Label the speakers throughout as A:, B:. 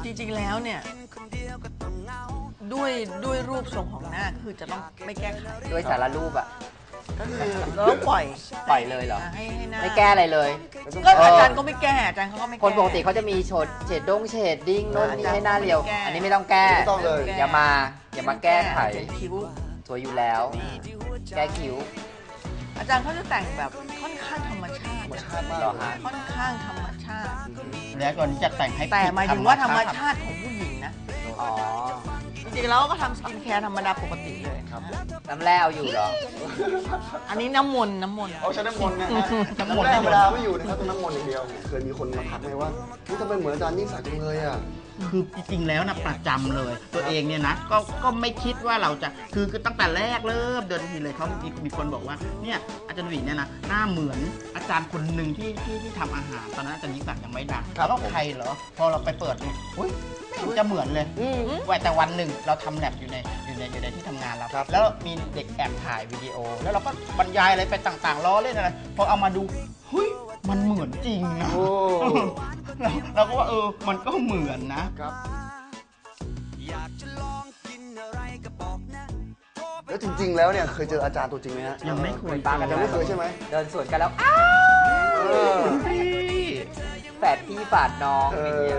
A: จริงๆแล้วเนี่ยด้วยรูปทรงของหน้าคือจะต้องไม่แก้ไข
B: ด้วยสารรูปอ่ะ
A: ก็คือเราต้องปล่อย
B: เลยเหรอ
A: ให้หน้า
B: ไม่แก้อะไรเลย
A: ก็อาจารย์ก็ไม่แก้อาจารย์เขาก็ไม่แก้
B: คนปกติเขาจะมีเฉดดิ้งโน่นนี่ให้หน้าเรียวอันนี้ไม่ต้องแก้
C: ไม่ต้องเลย
B: อย่ามาแก้ไข
A: คิ้ว
B: สวยอยู่แล้วแก้คิ้ว
A: อาจารย์เขาจะแต่งแบบค่อนข้างธรรมชาติ
C: มาก
A: ค่อนข้างธรรมชาติ
D: แล้วก่อนนี้จะแต่งให้
A: แต่หมายถึงว่าธรรมชาติของผู้หญิงนะ
B: อ๋อ
A: จริงๆแล้วก็ทำสกินแคร์ธรรมดาปกติเลย
C: ครับ
B: น้ำแร่เอาอยู่เหรอ
A: อันนี้น้ำมนต์
C: เอาใช้น้ำมนต์นะฮะน้ำแร่ธรรมดาไม่อยู่นะครับต้องน้ำมนต์อย่างเดียวเคยมีคนมาทักไหมว่าทำไมเหมือนอาจารย์ยิ่งศักดิ์จังเลยอ่ะ
D: คือจริงๆแล้วนะประจำเลยตัวเองเนี่ยนะก็ไม่คิดว่าเราจะคือตั้งแต่แรกเริ่มเดินทีเลยเขามีคนบอกว่าเนี่ยอาจารย์หวีเนี่ยนะหน้าเหมือนอาจารย์คนหนึ่งที่ทำอาหารตอนนั้นอาจารย์ยิ่งศักดิ์ยังไม่ดังแล้วใครเหรอพอเราไปเปิดเนี่ยอุ้ยไม่จะเหมือนเลยแต่วันหนึ่งเราทำแลบอยู่ในที่ทำงานเราแล้วมีเด็กแอบถ่ายวิดีโอแล้วเราก็บรรยายอะไรไปต่างๆล้อเล่นอะไรพอเอามาดูเฮ้ยมันเหมือนจริงนะเราก็ว่ามันก็เหมือนนะครับ
C: แล้วจริงๆแล้วเนี่ยเคยเจออาจารย์ตัวจริงไหมฮะ
D: ยังไม่เคย
B: ปากัน
C: ยังไม่เคยใช่ไหม
B: เดินสวนกันแล้วแฝดพี่ฝาดน้องอย่างเงี้ย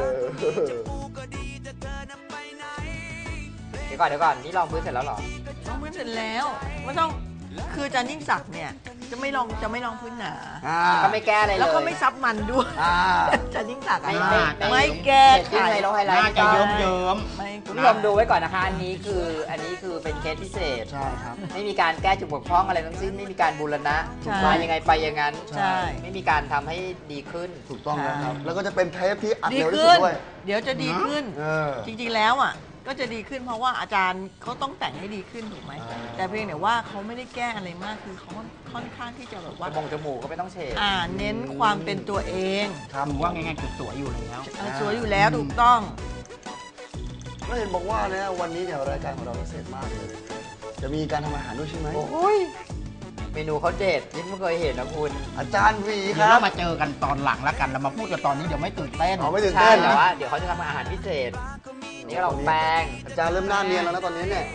B: เดี๋ยวก่อนนี่ลองพื้นเสร็จแล้วหรอ
A: ลองพื้นเสร็จแล้วไม่ต้องคืออาจารย์ยิ่งศักดิ์เนี่ยจะไม่ลองพื้นหนา
B: ก็ไม่แก้อะไรเลย
A: แล้วก็ไม่ซับมันด้วยอาจารย์ยิ่งศักดิ์ไม่แก้
B: ไขน่า
D: จะเยิ้ม
B: คุณผู้ชมดูไว้ก่อนนะคะอันนี้คือเป็นเคสพิเศษ
C: ใช่ครับ
B: ไม่มีการแก้จุดบกพร่องอะไรทั้งสิ้นไม่มีการบูรณะมายังไงไปอย่างนั้นไม่มีการทำให้ดีขึ้น
C: ถูกต้องนะครับแล้วก็จะเป็นเทปที่อัดเร็วที่สุดด้วย
A: เดี๋ยวจะดีขึ้นจริงๆแล้วอ่ะก็จะดีขึ้นเพราะว่าอาจารย์เขาต้องแต่งให้ดีขึ้นถูกไหมแต่เพียงแต่ว่าเขาไม่ได้แก้อะไรมากคือเขาค่อนข้างที่จะแบบว่า
B: จมูกก็ไม่ต้องเฉด
A: เน้นความเป็นตัวเอง
D: ทำว่าง่ายๆคือสวยอยู่แล้ว
A: สวยอยู่แล้วถูกต้อง
C: แล้วเห็นบอกว่าเนี่ยวันนี้เนี่ยรายการของเราพิเศษมากเลยจะมีการทำอาหารด้วยใช่ไหม
B: โอ้ยเมนูเขาเด็ดยังไม่เคยเห็นนะคุณ
C: อาจารย์วีครับ
D: เรามาเจอกันตอนหลังแล้วกันเรามาพูดกันตอนนี้เดี๋ยวไม่ตื่นเต้น
C: ไม่ตื่นเต้น
B: แต่ว่าเดี๋ยวเขาจะทำอาหารพิเศษนี่เราแป้ง
C: อาจารย์เริ่มหน้าเนียนแล้วนะตอนนี้เนี่ย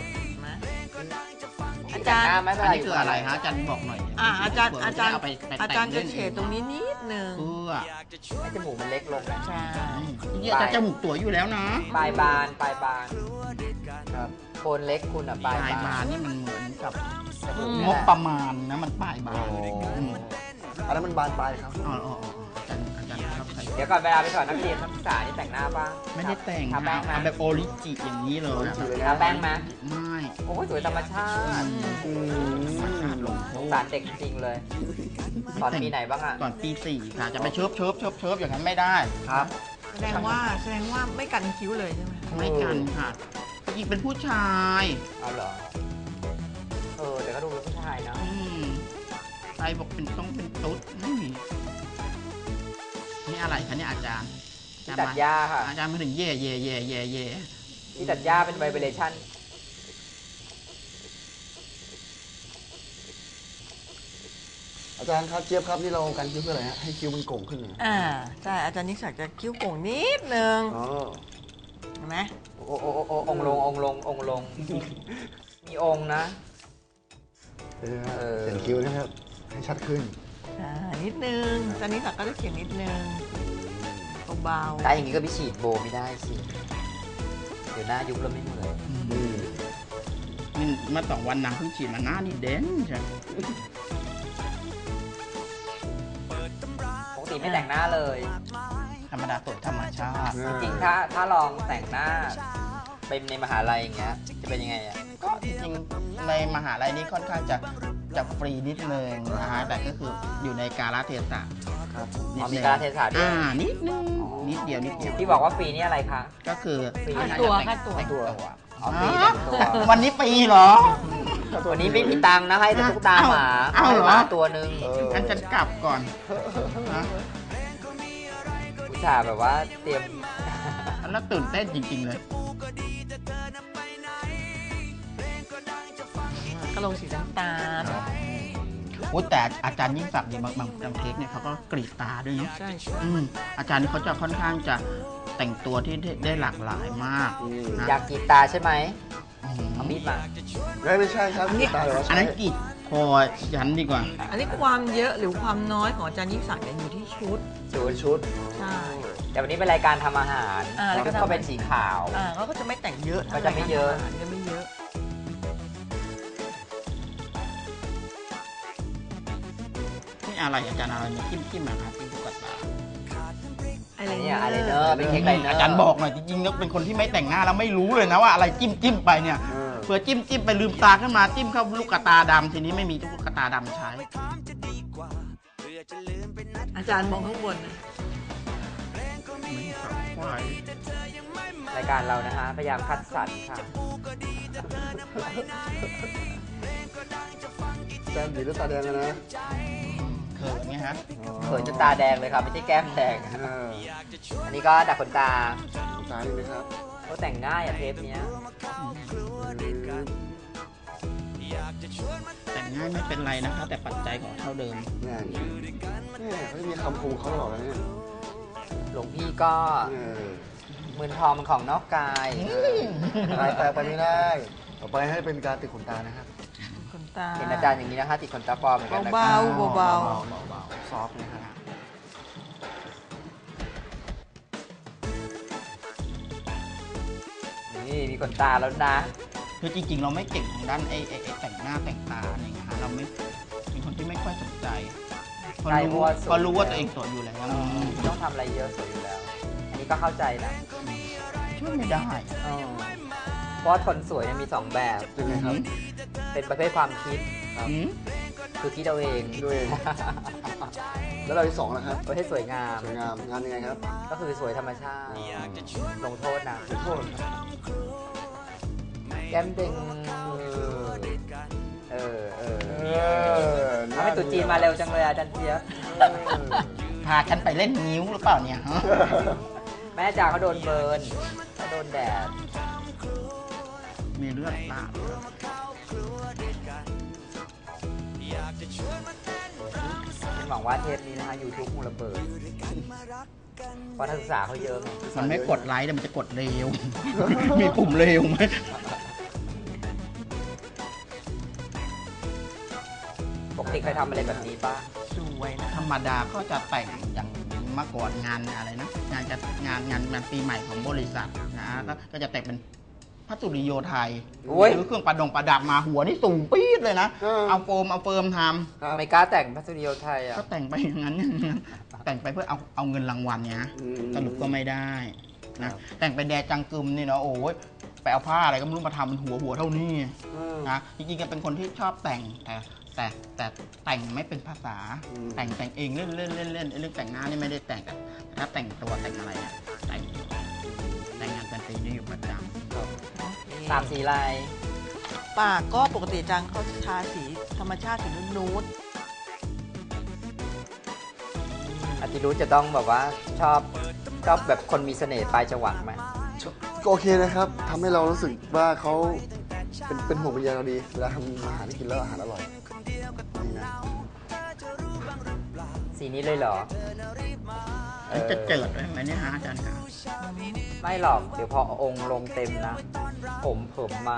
A: อาจารย์
D: อันนี้คืออะไรฮะอาจารย์บอกหน่อย
A: อาจารย์จะเฉดตรงนี้นิดนึง
B: เพื่อให้จมูกมันเล็กลง
A: ใช่
D: เนี่ยจมูกตัวอยู่แล้วนะ
B: ปลายบานครับโคนเล็กคุณอ่ะปลาย
D: บานนี่มันเหมือนกับงบประมาณนะมันปลายบาน
C: อันนั้นมันบานปลายครับ
B: เดี๋ยวก่อนเวลาไปสอนนักเรียนนักศึกษานี่แต่งหน้าป่ะ
D: ไม่ได้แต่งทำแบบโอริจิอย่างนี้เลย
B: ทาแป้งไหม
D: ไม่
B: โอ้ยสวยธรรมชาติสารเด็กจริงเลยสอนปีไหนบ้างอ่ะ
D: สอนปี4ค่ะจะไปเชิบอย่างนั้นไม่ได้
B: ครับ
A: แสดงว่าไม่กันคิ้วเลยใช่ไหม
D: ไม่กันค่ะอีกเป็นผู้ชาย
B: เอาเหรอแต่ก็ดูเป็นผู้ชายนะ
D: ใครบอกต้องเป็นตุ๊ดไม่มีนี่อะไรคะเนี่ยอาจารย์
B: ตัดหญ้าค่ะ
D: อาจารย์มาถึงเย่
B: ที่ตัดหญ้าเป็นไวเบรชั่น
C: อาจารย์ครับเจี๊ยบครับนี่เราการคิ้วเพื่ออะไรฮะให้คิ้วมันโก่งขึ้น
A: ใช่อาจารย์นิสัยจะคิ้วโก่งนิดนึงเห็นไหม
B: องลงมีองนะ
C: เขียนคิ้วนะครับให้ชัดขึ้น
A: นิดนึงอาจารย์นิสัยก็จะเขียนนิดนึงเบา
B: ๆแต่อย่างนี้ก็ไปฉีดโบไม่ได้สิเดี๋ยวหน้ายุบแล้วไม่เหมือน
D: นี่มา2 วันนางเพิ่งฉีดมาหน้านี่เด่นใช่
B: ปกติไม่แต่งหน้าเลย
D: ธรรมดาสวยธรรมชาติ
B: จริงถ้าลองแต่งหน้าไปในมหาลัยอย่างเงี้ยจะเป็นยังไงอ่ะ
D: ก็จริงในมหาลัยนี้ค่อนข้างจะฟรีนิดนึงนะฮะแต่ก็คืออยู่ในกาลเทศะ
B: มีกาลเทศะด้วย
D: นิดนึงนิดเดียว
B: ที่บอกว่าฟรีนี่อะไรคะ
D: ก็คือ
B: ฟรี
A: ตัว
D: วันนี้ฟรีเหรอ
B: วันนี้ไม่มีตังค์นะให้แต่ตุ๊กตาหมาตัวนึง
D: งั้นฉันกลับก่อน
B: ผู้ชายแบบว่าเตรียม
D: แล้วตื่นเต้นจริงๆเลย
A: ก็ลงสีน้ำตาล
D: แต่อาจารย์ยิ่งศักดิ์เนี่ยบางเทคเนี่ยเขาก็กรีดตาด้วยเนาะ
A: ใช่
D: อาจารย์นี่เขาจะค่อนข้างจะแต่งตัวที่ได้หลากหลายมากนะ
B: อยากกรีดตาใช่ไหมเอามีดมา
C: ไม่ใช่ครับตาเดี๋ยวเรา
D: อัน
C: ใช้
D: นั้นกรีดคอยันดีกว่า
A: อันนี้ความเยอะหรือความน้อยของอาจารย์ยิ่งศักดิ์เนี่ยอยู่ที่ชุด
C: ชุด
A: ใช่
B: แต่วันนี้เป็นรายการทำอาหาร
A: แล้วก็
B: ก็เป็นสีขาว
A: เขาก็จะไม่แต่งเยอะ
B: ก็จะไม่เยอะ
A: จะไม่เยอะ
D: นี่อะไรอาจารย์อะไรเนี่ยจิ้มมาครับจิ้มตุ๊กตา
A: อะไร
B: เนี่ยอะไรเนอร์เป็นเค้กไรเนอร์
D: อาจารย์บอกหน่อยจริงๆแล้วเป็นคนที่ไม่แต่งหน้าแล้วไม่รู้เลยนะว่าอะไรจิ้มไปเนี่ยเผื่อจิ้มไปลืมตาขึ้นมาจิ้มเข้าลูกตาดำทีนี้ไม่มีลูกตาดำใช้
A: อาจารย์มองข้างบนนะ
B: รายการเรานะฮะพยายามคัดสรรค่ะ
C: แก้มดีหรือตาแดงอะนะ
D: เขินไงฮะ
B: เขินจนตาแดงเลยครับไม่ใช่แก้มแดง อันนี้ก็ดักขนตา
C: ตาดีไหมครับ
B: เขาแต่งง่ายอะเทปเนี้ย
D: แต่งง่ายไม่เป็นไรนะคะ แต่ปัจจัยของเท่าเดิม
C: เนี่ยเขาจะมีคำคมเขาหรอกนะเนี่ย
B: หลวงพี่ก็
C: เออ
B: มือนทองมันของนอกกาย
C: ไปไม่ได้ต่อไปให้เป็นการติดขนตานะครับ
A: ขนตา
B: เห็นอาจารย์อย่างนี้นะคะติดขนตาปลอมเหมือนกันนะ
A: เบา
B: คะ
A: ๆเบา
C: ซอฟต์นะครับ
B: นี่มีขนตาแล้วนะ
D: คือจริงๆ เราไม่เก่งทางด้านไอ้แต่งหน้าแต่งตาอะไรเงี้ยฮะเราไม่เป็นคนที่ไม่ค่อยสนใจเพราะ
B: ใช่
D: รู้
B: เพราะว่าสวย
D: เพราะรู้ว่าตัวเองสวยอยู่แล้ว
B: ไม่ต้องทำอะไรเยอะสวยอยู่แล้ว อันนี้ก็เข้าใจนะ
D: ช่วยไม่ได้
B: เพราะว่าคนสวยเนี่ยมีสองแบบ
C: ยังไงครับ
B: เป็นประเภทความคิด
D: อืม
B: คือคิดเอาเอง
C: ด้วย แล้วเราที่สองนะครับ
B: ประเภทสวยงาม
C: สวยงามงานยังไงครับ
B: ก็คือสวยธรรมชาติ ลงโทษนะ
C: ขอโทษครับ
B: แก้มเด้งทำให้ตุ๊จีนมาเร็วจังเลยอาจารย์เจี๊ยบ
D: พาฉันไปเล่นนิ้วหรือเปล่าเนี่ยฮะ
B: แม่จ๋าเขาโดนเบิร์นเขาโดนแดด
D: มีเลือดตาด
B: ฉันหวังว่าเทปนี้นะคะ YouTube คงระเบิด เพราะนักศึกษาเขาเยอะไง
D: มันไม่กดไลค์แต่มันจะกดเร็ว มีปุ่มเร็วไหม
B: ปกติเคยทำอะไรแบบนี้ป่ะ
A: ๆสวยนะ
D: ธรรมดาก็จะแต่งอย่างเมื่อก่อนงานอะไรนะงานปีใหม่ของบริษัทนะก็จะแต่งเป็นพระสุริโยไทย
B: โอ้ย
D: หรือเครื่องประดับมาหัวนี่สูงปี๊ดเลยนะ เอาโฟมท
B: ไม่กล้าแต่งพัสดุไทย
D: ำ
B: อ่ะ
D: ก็แต่งไปอย่างนั้นแต่งไปเพื่อเอาเงินรางวัลเนี่ยสรุปก็ไม่ได้นะแต่งเป็นแดจังกึมนี่เนาะโอ้ยไปเอาผ้าอะไรก็ไม่รู้มาทำเป็นหัวเท่านี้นะจริงๆก็เป็นคนที่ชอบแต่งแต่แต่งไม่เป็นภาษาแต่งเองเล่นเรื่องแต่งหน้านี่ไม่ได้แต่งแต่ถ้าแต่งตัวแต่งอะไรเนี่ยแต่งงานแต่งปีนี่อยู่ประจำ
B: สามสีลาย
A: ปากก็ปกติอาจารย์เขาทาสีธรรมชาติสีนูด
B: อาจิรุจะต้องแบบว่าชอบแบบคนมีเสน่ห์ปลายจวักไหม
C: ก็โอเคนะครับทำให้เรารู้สึกว่าเขาเป็นห่วงเป็นใยเราดีเวลาทำอาหารที่กินแล้วอาหารอร่อยนี่นะ
B: สีนี้เลยเหรอ
D: จะเจิดไหมเนี่ยฮะอาจารย์ครับ
B: ไม่หรอกเดี๋ยวพอองค์ลงเต็มนะ ผมมา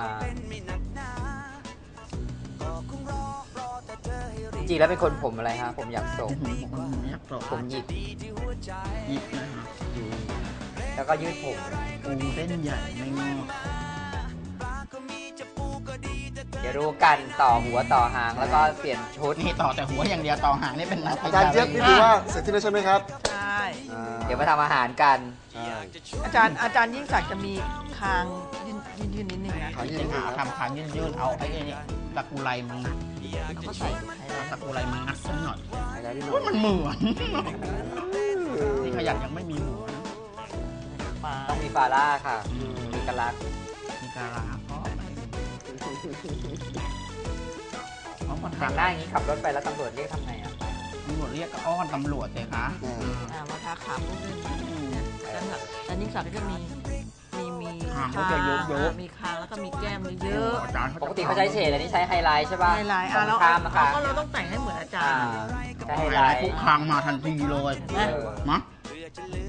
B: จริงๆแล้วเป็นคนผมอะไรฮะ ผมอยากโศก
D: อยากโปร
B: ผมหยิก
D: ยิบนะฮะ
B: แล้วก็ยืดผม
D: ปูเส้นใหญ่ไม่งอก
B: เดี๋ยวรู้กันต่อหัวต่อหางแล้วก็เปลี่ยนชุด
D: นี่ต่อแต่หัวอย่างเดียวต่อหางนี่เป็นนัก
C: อาจารย์เจี๊ยบนี่ถือว่าเสร็จที่แล้วใช่ไหมครับ
A: ใช่
B: เดี๋ยวมาทำอาหารกัน
C: ใช่
A: อาจารย์ยิ่งศักดิ์จะมีคางยืนนิดนึงนะ
C: ขาย
D: จ
C: ยื
D: ริ
C: ด
D: งๆทำขายืดๆเอาไอ้นี่ตะกุไรมังัด
A: แล้วก็ใส่ไฮไล
D: เอา
A: ท์
D: ตะกุไรมังัดสักหน่อย
C: ขายได้ที่หน่อ
D: ว่าย มันเหมือนนี่ขยันยังไม่มีหัวนะ
A: ปาก
B: ต้องมีฟาร่าค่ะ มีกระลัก
D: มีการาเพราะพอ
B: แต่
D: ทาง
B: หน้าอย่างนี้ขับรถไปแล้วตำรวจเรียกทำไงอ่ะ
D: ตำรวจเรียกก็อ้อนตำรวจเลยคะ
A: มาทาขาพวกนี้อาจารย์ยิ่งศักดิ์ก็จะมีคางมีคางแล้วก็มีแก้มเยอะ
D: อาจารย์
B: ปกติเขาใช้เฉดอันนี้ใช้ไฮไลท์ใช่ป่ะ
A: ไฮไลท์
B: ตรง
A: แล้ว
B: ข้ามนะคะ
A: ก็เราต้องแต่งให้เหมือนอาจารย์
B: ใช้ไฮ
D: ไฮ
B: ไล
D: ไลท์
B: ท์
D: ปุ๊บคางมาทันทีเลย
A: นะ
D: มะ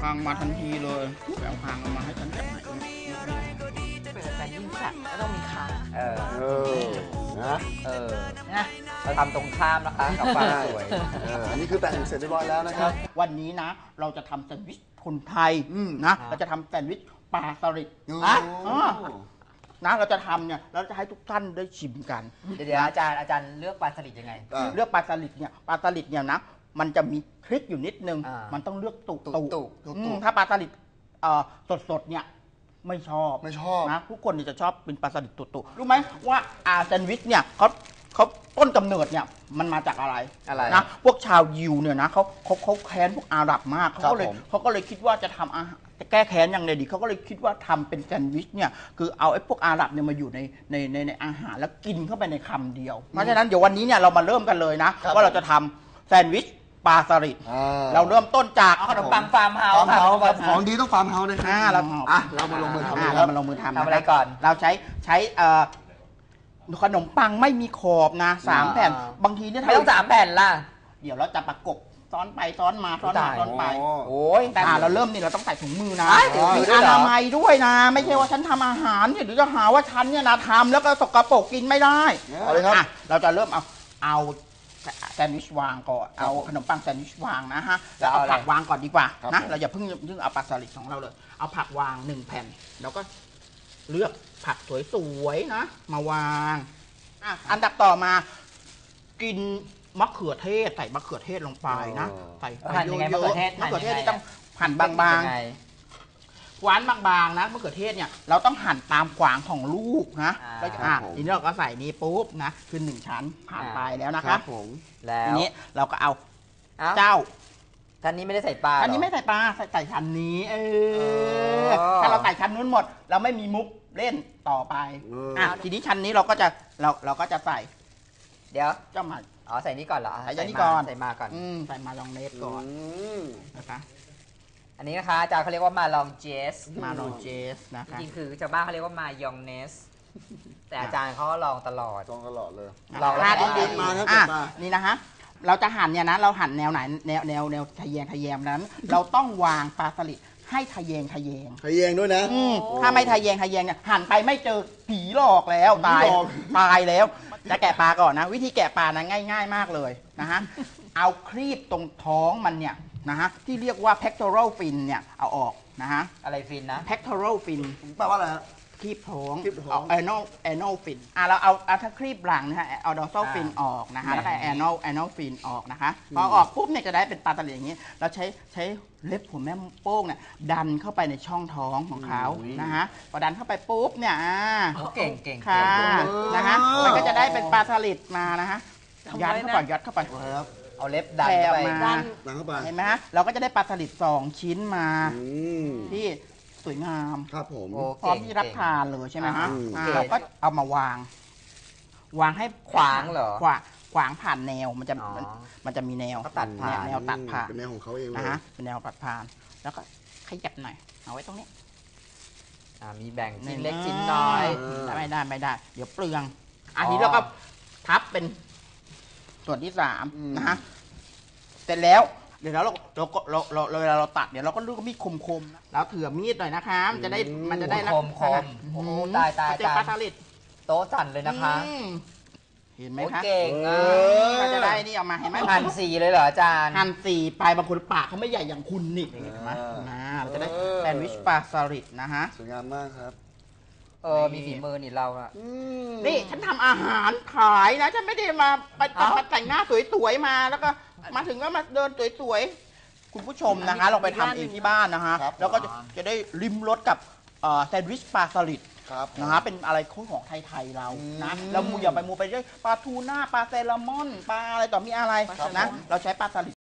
D: คางมาทันทีเลยไปเอาคางเอามาให้ฉันจากไหนเนี่ย
A: เป็นแต่ยิ่งสัตว์ก็ต้องมีคาง
B: เออ
C: เออนะ
B: เออ
A: นะ
B: เราทำตรงข้ามนะคะกับความสวย
C: อันนี้คือแต่งเสร็จเรียบร้อยแล้วนะครับ
D: วันนี้นะ เราจะทำแซนด์วิชคนไทย
C: อืม
D: นะ เราจะทำแซนด์วิชปลาสลิด
C: โอ้
D: นะนะเราจะทำเนี่ยเราจะให้ทุกท่านได้ชิมกัน
B: เดี๋ยวอาจารย์เลือกปลาสลิดยังไง
D: เลือกปลาสลิดเนี่ยปลาสลิดเนี่ยนะมันจะมีทริคอยู่นิดนึง
B: อ่ามั
D: มันต้องเลือกตุ
B: ตุ
D: ถ้าปลาสลิดสดๆเนี่ยไม่ชอบ
C: ไม่ชอบ
D: นะทุกคนเนี่ยจะชอบเป็นปลาสลิดตุรู้ไหมว่าแซนด์วิชเนี่ยเขาต้นกำเนิดเนี่ยมันมาจากอะไร
B: อะไร
D: นะพวกชาวยิวเนี่ยนะเขาแค้นพวกอาหรับมาก
C: ครับ
D: เขาก็เลยคิดว่าจะทำอาหารจะแก้แค้นอย่างไรดีเขาก็เลยคิดว่าทำเป็นแซนด์วิชเนี่ยคือเอาไอ้พวกอาหรับเนี่ยมาอยู่ในอาหารแล้วกินเข้าไปในคำเดียวเพราะฉะนั้นเดี๋ยววันนี้เนี่ยเรามาเริ่มกันเลยนะ
C: ครับ
D: ว่าเราจะทำแซนด์วิชปลาสลิด
C: อ่า
D: เราเริ่มต้นจาก
B: เอาขนมปังฟาร์มเฮา
C: ฟาร์
B: ส์
C: ม
B: ค่ะ
C: เฮาส์ครับของดีต้องฟาร์มเฮาส์นะค
D: เรา
C: เรามาลงมือทำเลยค
D: เรา
C: รับ
D: มาลงมือทำ
B: ทำอะไรก่อน
D: เราใช้ขนมปังไม่มีขอบนะ3 แผ่นบางทีเนี่ย
B: ไม่ต้อง3 แผ่นล่ะ
D: เดี๋ยวเราจะประกบซ้อนไปซ้อนมาซ้อนมา
B: ตาย
D: ซ้อนไป
B: โอ้ย
D: แต่เราเริ่มนี่เราต้องใส่ถุงมือนะ
B: อ้ายถุงมื
D: มี
B: อด้วย
D: อ
B: เหรอ
D: นามัยด้วยนะ ไม่ใช่ว่าฉันทำอาหารเนี่ยเดี๋ยวจะหาว่าฉันเนี่ยนะทำแล้วก็สกปรกกินไม่ได้
C: เอาเลยครับ
D: เราจะเริ่มเอาแซนด์วิชวางก่อนเอาขนมปังแซนด์วิชวางนะฮะแล้วเอาผักวางก่อนดีกว่า
C: ครับ
D: นะ
C: ผม
D: เราอย่าเพิ่งเอาปลาสลิดของเราเลย เอาผักวาง1 แผ่นแล้วก็เลือกผักสวยๆนะ มาวางอันดับต่อมากินมะเขือเทศใส่มะเขือเทศลงไปนะใส่ไป
B: หั่นยังไง
D: เยอะ
B: มะเขือเทศ
D: ๆมะเขือเทศที่ต้องหั่นบางๆ
B: ยังไง
D: หวานบางๆนะมะเขือเทศเนี่ยเราต้องหั่นตามขวางของลูกนะ
B: อ่า
D: แล้ว
C: ครับผม
D: ทีนี้เราก็ใส่นี้ปุ๊บนะคือ1 ชั้นผ่านไปแล้วนะ
C: ค
D: ค
C: รั
D: รั
C: บบ ผม
B: แล้ว
D: ทีนี้เราก็เอา
B: เอ้า
D: เจ้า
B: ท่านนี้ไม่ได้ใส่ปลา
D: อันนี้
B: เหร
D: ไม่ใส่ปลาใส่ชั้นนี้
B: อ
D: ถ้าเราใส่ชั้นนู้นหมด เราไม่มีมุกเล่นต่อไปทีนี้ชั้นนี้เราก็จะใส่
B: เดี๋ยว
D: เจ้ามา
B: อ๋อใส่นี่ก่อนเหรอ
D: ใส่อันนี้ก่อน
B: ใส่มาก่อน
D: ใส่มายองเนสก่อนนะคะ
B: อันนี้นะคะอาจารย์เขาเรียกว่ามาลองเจส
D: มาลองเจสนะ
B: จ
D: คะ
B: ริงๆคือชาวบ้านเขาเรียกว่ามายองเนส แต่อาจารย์เขาก็ลองตลอด
C: ต้องตลอดเลย
B: ลองแล้ว
D: ดี
C: เด็ดมาครับ
D: อ่ะ
C: เด็ดมา
D: นี่นะฮะเราจะหั่นเนี่ยนะเราหั่นแนวไหนแนวทะแยงนั้น เราต้องวางปลาสลิดให้ทะแยง
C: ขยงด้วยนะ
D: ถ้าไม่ทะแยงเนี่ยหั่นไปไม่เจอผีหลอกแล้วตาย
C: ผีหลอก
D: ตายแล้ว จะแกะปลาก่อนนะ วิธีแกะปลานะง่ายๆมากเลยนะฮะเอาครีบตรงท้องมันเนี่ยนะฮะที่เรียกว่า pectoral fin เนี่ยเอาออกนะฮะ
B: อะไรฟินนะ
D: pectoral fin
C: แปลว่าอะไรฮะ
D: ครีบท้อง
C: ครีบท้อง
D: anal fin เราเอาถ้าครีบหลังนะฮะเอา dorsal fin ออกนะคะแล้วก็ anal fin ออกนะคะพอออกปุ๊บเนี่ยจะได้เป็นปลาตะเหลียอย่างนี้ เราใช้เล็บหัวแม่โป้งเนี่ยดันเข้าไปในช่องท้องของเขานะฮะพอดันเข้าไปปุ๊บเนี่ย
B: เก่งเก่ง
D: ค่ะนะฮะมันก็จะได้เป็นปลาสลิดมานะฮะยัดเข้าไปยัดเข้าไป
C: ครับ
B: เอาเล็บดันเข้าไป
D: แผ่มา
C: หนังเข้าไป
D: เห็นไหมฮะเราก็จะได้ปลาสลิด2 ชิ้นมา
C: อืม
D: ที่สวยงาม
C: ครับผม
B: โอ้
D: พร้อมที่รับทานเลยใช่ไหมฮะ
C: อืม
D: เราก็เอามาวาง วางให้
B: ขวางเหรอ
D: ขวางผ่านแนวมันจะ
B: อ๋อ
D: มันจะมีแนว
B: เขาตัดผ่าน
D: แนวตัดผ่าน
C: เป็นแนวของเขาเองเลย
D: นะฮะเป็นแนวตัดผ่าน แล้วก็ขยับหน่อยเอาไว้ตรงนี้
B: มีแบ่งชิ้นเล็กชิ้นน้อย
D: ไม่ได้ เดี๋ยวเปลืองอัน
B: อ๋อ
D: นี้เราก็พับเป็นส่วนที่3นะฮะเสร็จแล้วเดี๋ยวเราก็เวลาเราตัดเดี๋ยวเราก็เลือกมีดคมๆแล้วเถื่อมีดหน่อยนะคะมันจะได้ลัก
B: ค
D: ษ
B: ม
D: ณะ
B: คมโอ้โหตาย
D: เจอปลาสลิด
B: โต๊ะสั่นเลยนะคะ
D: เห็นไหม
B: โอ้
D: คะ
B: เก่งอ่ะ
D: เราจะได้นี่ออกมาเห็นไหม
B: หั่นสีเลยเหรออาจารย์
D: หั่นสี่ไปบางคนปากเขาไม่ใหญ่อย่างคุณนี่เห็นไหมเราจะได้แซนด์วิชปลาสลิดนะฮะ
C: สวยงามมากครับ
B: มีฝีมือนี่เราอะ
D: นี่ฉันทำอาหารขายนะฉันไม่ได้มาแต่งหน้าสวยๆมาแล้วก็มาถึงก็มาเดินสวยๆคุณผู้ชมนะคะลองไปทำเองที่บ้านนะฮะ
C: ครับ
D: แล้วก็จะได้ริมรสกับแซนด์วิชปลาสลิด
C: ครับ
D: นะฮะเป็นอะไรของไทยๆเรานะแล้วอย่าไปมูไปด้วยปลาทูน่าปลาแซลมอนปลาอะไรต่อมีอะไรนะเราใช้ปลาสลิด